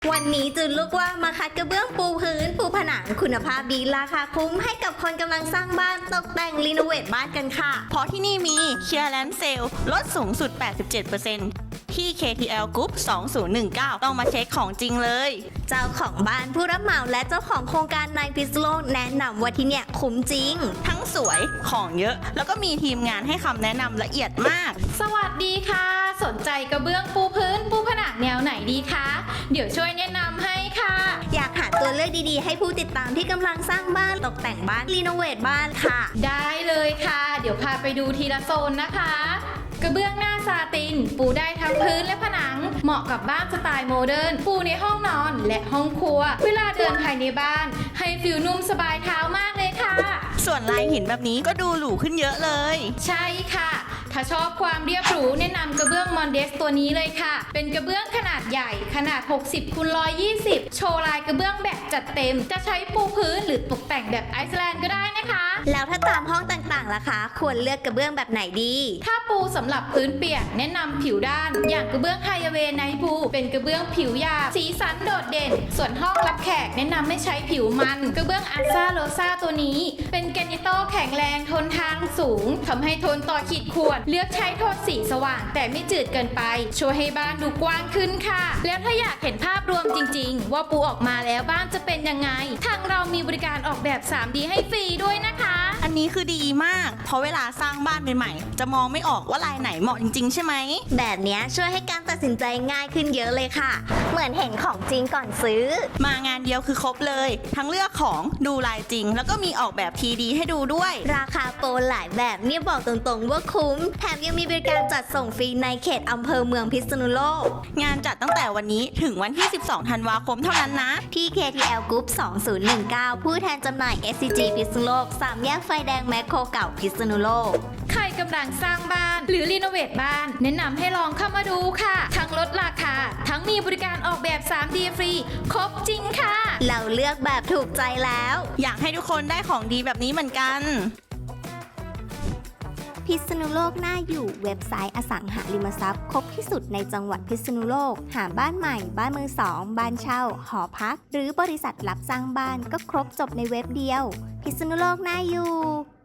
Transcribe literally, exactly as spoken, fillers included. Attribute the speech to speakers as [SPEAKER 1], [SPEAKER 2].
[SPEAKER 1] วันนี้จุนลูกว่ามาคัดกระเบื้องปูพื้นปูผนังคุณภาพดีราคาคุ้มให้กับคนกำลังสร้างบ้านตกแต่งรีโนเวทบ้านกันค่ะ
[SPEAKER 2] เพราะที่นี่มี Clearance Sale ลดสูงสุด แปดสิบเจ็ดเปอร์เซ็นต์ ที่ เค ที แอล Group สองศูนย์หนึ่งเก้า ต้องมาเช็คของจริงเลย
[SPEAKER 1] เจ้าของบ้านผู้รับเหมาและเจ้าของโครงการในพิษณุโลกแนะนำว่าที่เนี่ยคุ้มจริง
[SPEAKER 2] ทั้งสวยของเยอะแล้วก็มีทีมงานให้คำแนะนำละเอียดมาก
[SPEAKER 3] สวัสดีค่ะสนใจกระเบื้องปูพื้นปูผนังแนวไหนดีคะเดี๋ยวช่วยแนะนำให้ค่ะ
[SPEAKER 1] อยากหาตัวเลือกดีๆให้ผู้ติดตามที่กำลังสร้างบ้านตกแต่งบ้านรีโนเวทบ้านค่ะ
[SPEAKER 3] ได้เลยค่ะเดี๋ยวพาไปดูทีละโซนนะคะกระเบื้องหน้าซาตินปูได้ทั้งพื้นและผนังเหมาะกับบ้านสไตล์โมเดิร์นปูในห้องนอนและห้องครัวเวลาเดินภายในบ้านให้ฟิลนุ่มสบายเท้ามากเลยค่ะ
[SPEAKER 2] ส่วนลายหินแบบนี้ก็ดูหรูขึ้นเยอะเลย
[SPEAKER 3] ใช่ค่ะถ้าชอบความเรียบหรูแนะนำกระเบื้องมอนเดสตัวนี้เลยค่ะเป็นกระเบื้องขนาดใหญ่ขนาดหกสิบคูณหนึ่งร้อยยี่สิบโชว์ลายกระเบื้องแบบจัดเต็มจะใช้ปูพื้นหรือตกแต่งแบบไอซ์แลนด์ก็ได้นะคะ
[SPEAKER 1] แล้วถ้าตามห้องต่างๆล่ะคะควรเลือกกระเบื้องแบบไหนดี
[SPEAKER 3] ถ้าปูสำหรับพื้นเปียกแนะนำผิวด้านอย่างกระเบื้องไฮเวย์ไนท์พูเป็นกระเบื้องผิวหยาบสีสันโดดเด่นส่วนห้องรับแขกแนะนำไม่ใช้ผิวมันกระเบื้องอาซาโรซาตัวนี้เป็นแกรนิโตแข็งแรงทนทานสูงทำให้ทนต่อขีดข่วนเลือกใช้โทนสีสว่างแต่ไม่จืดเกินไปช่วยให้บ้านดูกว้างขึ้นค่ะแล้วถ้าอยากเห็นภาพรวมจริงๆว่าปูออกมาแล้วบ้านจะเป็นยังไงทางเรามีบริการออกแบบ ทรี ดี ให้ฟรีด้วยนะคะ
[SPEAKER 2] อันนี้คือดีมากเพราะเวลาสร้างบ้านใหม่ๆจะมองไม่ออกว่าลายไหนเหมาะจริงๆใช่ไหม
[SPEAKER 1] แบบนี้ช่วยให้การตัดสินใจง่ายขึ้นเยอะเลยค่ะเหมือนเห็นของจริงก่อนซื้อ
[SPEAKER 2] มางานเดียวคือครบเลยทั้งเลือกของดูลายจริงแล้วก็มีออกแบบ ทรี ดี ให้ดูด้วย
[SPEAKER 1] ราคาโปรหลายแบบเนี่ยบอกตรงๆว่าคุ้มแถมยังมีบริการจัดส่งฟรีในเขตอำเภอเมืองพิษณุโลก
[SPEAKER 2] งานจัดตั้งแต่วันนี้ถึงวันที่สิบสองธันวาคมเท่านั้นนะ
[SPEAKER 1] ที่ เค ที แอล Group สองศูนย์หนึ่งเก้าผู้แทนจำหน่าย เอส ซี จี พิษณุโลกสามแยกไฟแดงแมคโครเก่าพิษณุโลก
[SPEAKER 3] ใครกำลังสร้างบ้านหรือรีโนเวทบ้านแนะนำให้ลองเข้ามาดูค่ะทั้งลดราคาทั้งมีบริการออกแบบ ทรี ดี ฟรีครบจริงค่ะ
[SPEAKER 1] เราเลือกแบบถูกใจแล้ว
[SPEAKER 2] อยากให้ทุกคนได้ของดีแบบนี้เหมือนกัน
[SPEAKER 1] พิษณุโลกน่าอยู่เว็บไซต์อสังหาริมทรัพย์ครบที่สุดในจังหวัดพิษณุโลกหาบ้านใหม่บ้านมือสองบ้านเช่าหอพักหรือบริษัทรับสร้างบ้านก็ครบจบในเว็บเดียวพิษณุโลกน่าอยู่